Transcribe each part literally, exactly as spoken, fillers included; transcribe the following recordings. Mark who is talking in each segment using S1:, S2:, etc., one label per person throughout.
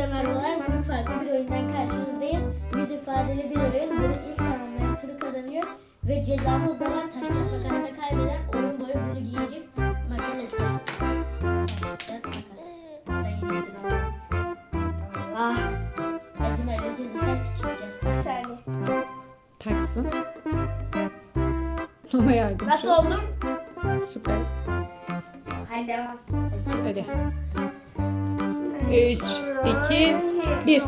S1: merhabalar. Bugün farklı bir oyundan karşınızdayız. Yüz ifadeli bir oyun. Bunu ilk tamamlayan turu kazanıyor. Ve cezamız da var. Taş kağıt makasla kaybeden oyun boyu bunu giyecek. Makalesi. Taş kağıt makas. Sen yenildin ama.
S2: Ah.
S1: Hadi Merve sesi sen çıkacağız.
S2: Bir saniye.
S3: Taksın. Ona yardımcı.
S2: Nasıl oldum?
S3: Süper.
S2: Hadi devam.
S3: Hadi. üç, iki, bir.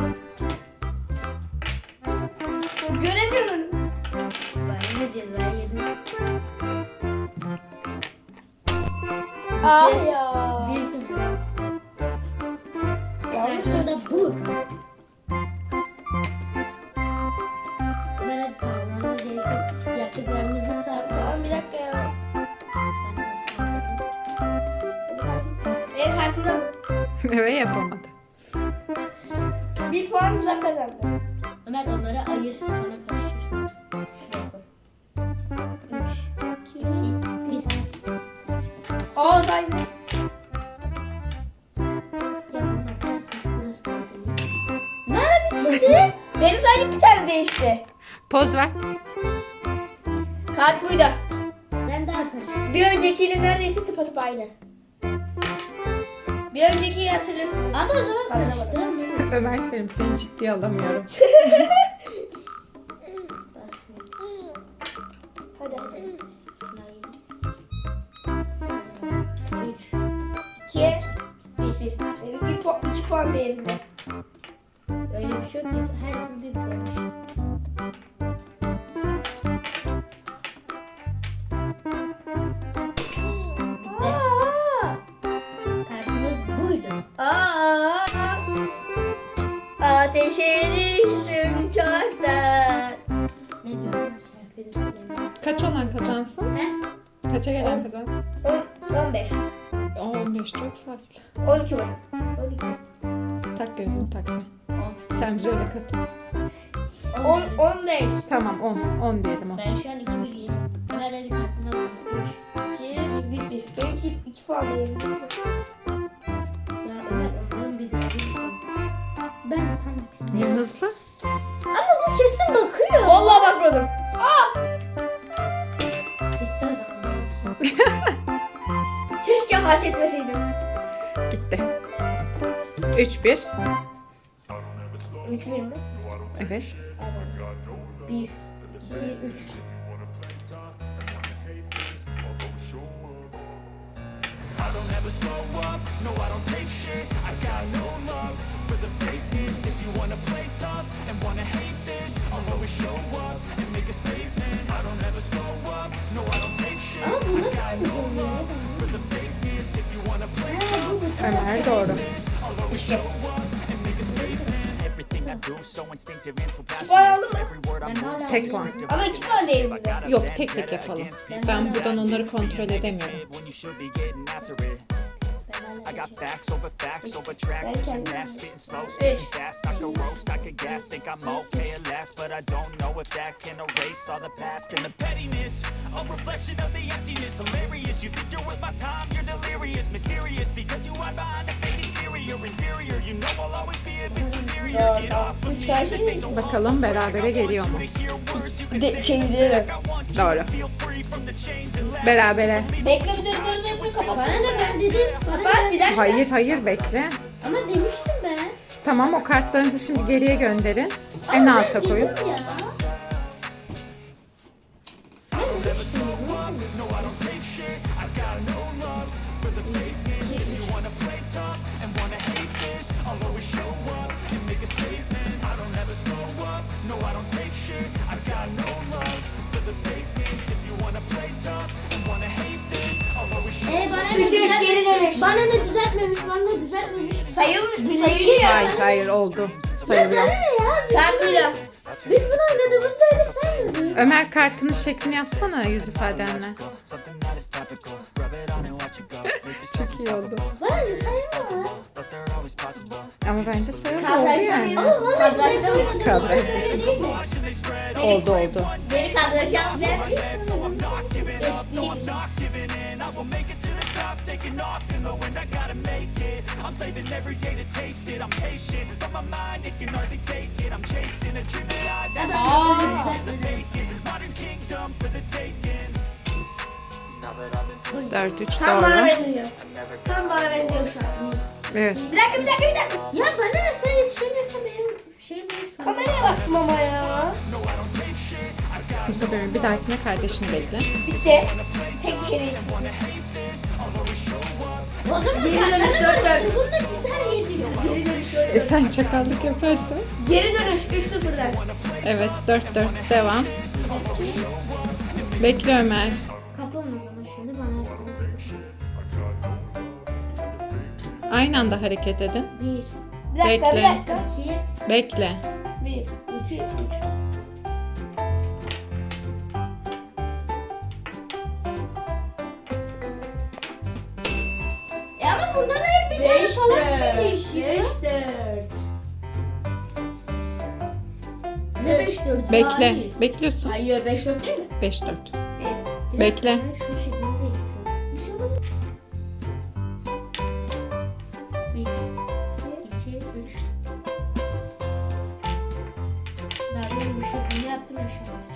S2: Göremiyorum.
S1: Ben yine ceza yedim.
S2: Ah ya.
S1: Bir sıfır. Karşımda bu. Ben hadi tamamlamam gerek yok. Yaptıklarımızı sağ.
S2: Tamam bir dakika ya. Benim kartımda
S3: Evet, yapamadı.
S2: bir puan uzak kazandı.
S1: Ömer onları ayır sonra karıştır. Şuraya koy. Üç, iki, bir.
S2: Aa ben.
S1: Ya bunun arkadaşlar burası da oluyor. Ne ara bitirdi?
S2: Benim sadece bir tane değişti.
S3: Poz ver.
S2: Kart buydu.
S1: Ben daha karıştırdım.
S2: Bir öncekiyle neredeyse tıpatıp aynı. Bir öncekiyi hatırlıyorsun.
S1: Ama o zaman karıştıramıyorum.
S3: Ömer Selim, seni ciddiye alamıyorum.
S2: Hadi hadi.
S1: Şuna yiyeyim. Üç.
S2: İki. Bir. Bir. Benimki iki, puan, iki puan değerinde.
S1: Öyle bir şey yok. Biz her türlü bir puanmış.
S2: Aa.
S1: Kartımız buydu.
S2: Aa. Ateşe düştüm çoktan.
S1: Ne diyorum? Şarkıyı da söyleyeyim.
S3: Kaç olan kazansın?
S1: He?
S3: Kaça gelen kazansın?
S2: On, on beş.
S3: on beş çok fazla.
S2: On iki var. On iki.
S3: Tak gözünü taksın. Sen bize öyle katıl.
S2: On, on beş.
S3: Tamam, on. on diyelim o.
S1: Ben şu an iki bir yiyeyim. Ömer hadi kartına bak. Üç.
S2: İki. Bir. Bir. Benimki iki puan değerinde.
S1: Ya Ömer onun bir daha bir puan. Ben de tam bitirdim.
S3: Niye hızlı?
S1: Ama bu kesin bakıyor.
S2: Vallahi bakmadım.
S1: Bitti o zaman.
S2: Keşke fark etmeseydim.
S3: Gitti. üç bir.
S2: Üç bir mi?
S3: Evet.
S1: Bir, iki, üç. Ama bu nasıl bir oluyor?
S3: Ömer doğru.
S2: İşte. Puan aldın mı?
S1: Ben hala
S3: Tek puan.
S2: Ama iki puan değerinde.
S3: Yok, tek tek yapalım. Ben buradan onları kontrol edemiyorum.
S4: I got facts over facts over tracks,
S2: Ben
S4: this and
S2: kendim.
S4: that, spitting slow,
S2: Üç.
S4: spitting fast. I could roast, I could gas, think I'm okay at last, but I don't know if that can erase all the past and the pettiness, a reflection of the emptiness. Hilarious, you think you're worth my time, you're delirious, mysterious, because you hide behind a fake exterior, inferior. You know I'll always be a bit superior. Get off of
S2: Üç
S4: me,
S2: tane
S4: this
S2: şey
S4: ain't no
S3: Bakalım berabere geliyor mu?
S2: De çeviriyorum.
S3: Doğru. Berabere.
S2: Bekle bir dur dur dur dur kapat.
S1: Bana ne ben dedim.
S2: Kapat bir dakika.
S3: Hayır hayır bekle.
S1: Ama demiştim ben.
S3: Tamam, o kartlarınızı şimdi geriye gönderin. En
S1: Ama
S3: alta
S1: ben
S3: koyun.
S1: dedim ya. Ben demiştim ya. Ee, bana ne
S2: Üç üç
S1: düzelt-
S2: geri dönüş.
S1: Bana ne düzeltmemiş, bana ne düzeltmemiş.
S2: Sayılmış. Sayılıyor.
S3: Hayır hayır oldu.
S1: Ya bana
S3: Sayılıyor.
S1: ne ya? Biz,
S2: Kartıyla.
S1: biz bunu oynadığımızda öyle saymıyorduk.
S3: Ömer, kartının şeklini yapsana yüz ifadenle.
S4: something that is topical. Rub it on and watch it go. Make yourself
S3: Çok iyi oldu.
S1: Bana ne saymaz.
S4: but they're always possible.
S3: Ama bence sayılır, oldu
S2: Kadrajda
S3: yani.
S2: mıyız?
S1: Ama vallahi
S2: Kadrajda
S1: ben
S2: mıyız?
S1: oynadığımızda
S3: Kadrajda.
S1: öyle değildi.
S3: Oldu oldu.
S2: Beni kadraj yap.
S1: Ben ilk
S4: I will make it to the top, taking off in the wind. I gotta make it. I'm Saving every day to taste it. I'm patient, but my mind, it can hardly take it. I'm chasing a dream that I've
S1: Ya
S4: never
S1: ben
S2: Aa.
S1: böyle düzeltmedim.
S4: vacant. Modern kingdom for the taking. Now that I've been
S3: dört üç
S2: Tam bana
S3: doğru.
S2: benziyor. Tam bana benziyor şu an.
S3: Evet.
S2: Bir dakika bir dakika bir dakika.
S1: Ya bana ne sen yetişemiyorsan benim şeyim değil. sorun.
S2: Kameraya baktım ama ya.
S3: Musa Bey, bir dahakine kardeşini bekle.
S2: Bitti. Tek bir şey değil.
S1: O zaman
S2: Geri
S1: sen
S2: dönüş
S1: bana
S2: dört dört.
S1: karıştır. Bunda güzel yediyor.
S2: Geri dönüş dört
S3: E
S2: dört.
S3: sen çakallık yaparsan.
S2: Geri dönüş üç sıfırdan.
S3: Evet, dört dört devam. Bekle Ömer.
S1: Kaplan o zaman şimdi bana yaptınız.
S3: Aynı anda hareket edin.
S1: Bir,
S2: Bir dakika bir
S3: Bekle.
S2: dakika.
S1: iki,
S3: Bekle.
S2: Bir, iki, üç.
S1: E ama bunda da hep bir tane
S2: Beş
S1: falan bir şey
S2: dört.
S1: değişiyor.
S2: Beş dört.
S1: Ne beş dört?
S3: Bekle. Bekliyorsun.
S2: Hayır beş dört değil mi?
S3: beş dört.
S2: Bir.
S3: Bekle.
S1: Şu şekilde değiştiriyorum. Bir şey olmaz. Bir, iki, üç. Daha ben bu şekilde yaptım ya şu an.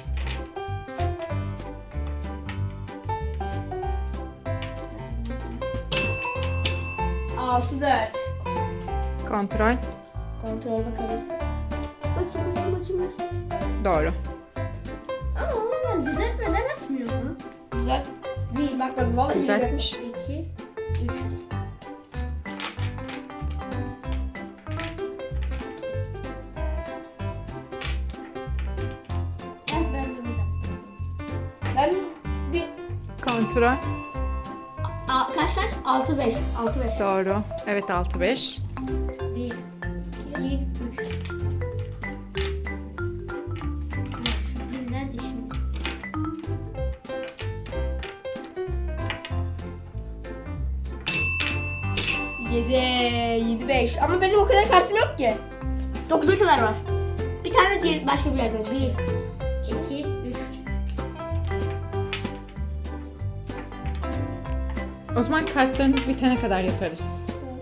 S2: Altı dört.
S3: Kontrol.
S2: Kontrol bakarız.
S1: Bakayım bakayım bakayım. bakayım.
S3: Doğru.
S1: Ama onu ben düzeltmeden atmıyor mu?
S2: Güzel.
S1: Bir,
S2: Bakmadım vallahi.
S3: Düzeltmiş.
S1: iki, üç. Ben ben de bir dakika.
S2: Ben bir...
S3: Kontrol.
S2: A, kaç kaç? Altı beş. Altı beş.
S3: Doğru. Evet, altı beş.
S1: Bir, iki, üç. Ya şu bir nerede şimdi?
S2: Yedi. Yedi beş. Ama benim o kadar kartım yok ki. Dokuza kadar var. Bir tane diğer başka bir yerden çık.
S1: Bir, iki, üç.
S3: O zaman kartlarınız bitene kadar yaparız.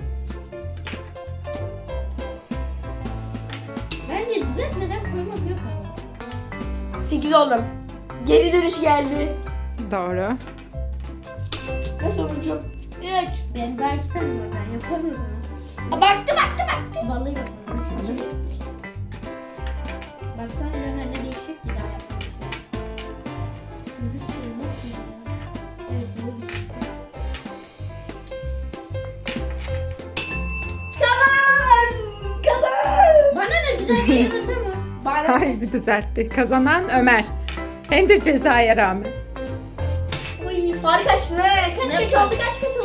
S1: Bence düzeltmeden koymak yok ama.
S2: Sekiz oldum. Geri dönüş geldi.
S3: Doğru.
S2: Ve sonuncum. Üç.
S1: Benim daha iki tane var. Ben yaparım o zaman.
S2: Aa, baktı baktı baktı.
S1: Vallahi bakalım. Üç, iki. Baksana ben ne değişecek ki daha yapmamışım. Gündüz çayı nasıl ya? Evet doğru gidiyor.
S2: Kazan. Kazan.
S1: Bana ne güzel bir yaratır mı?
S2: Bana.
S3: Hayır, bir düzeltti. Kazanan Ömer. Hem de cezaya rağmen.
S2: Uy fark açtı. Kaç
S1: Ne
S2: kaç
S1: fark?
S2: oldu kaç kaç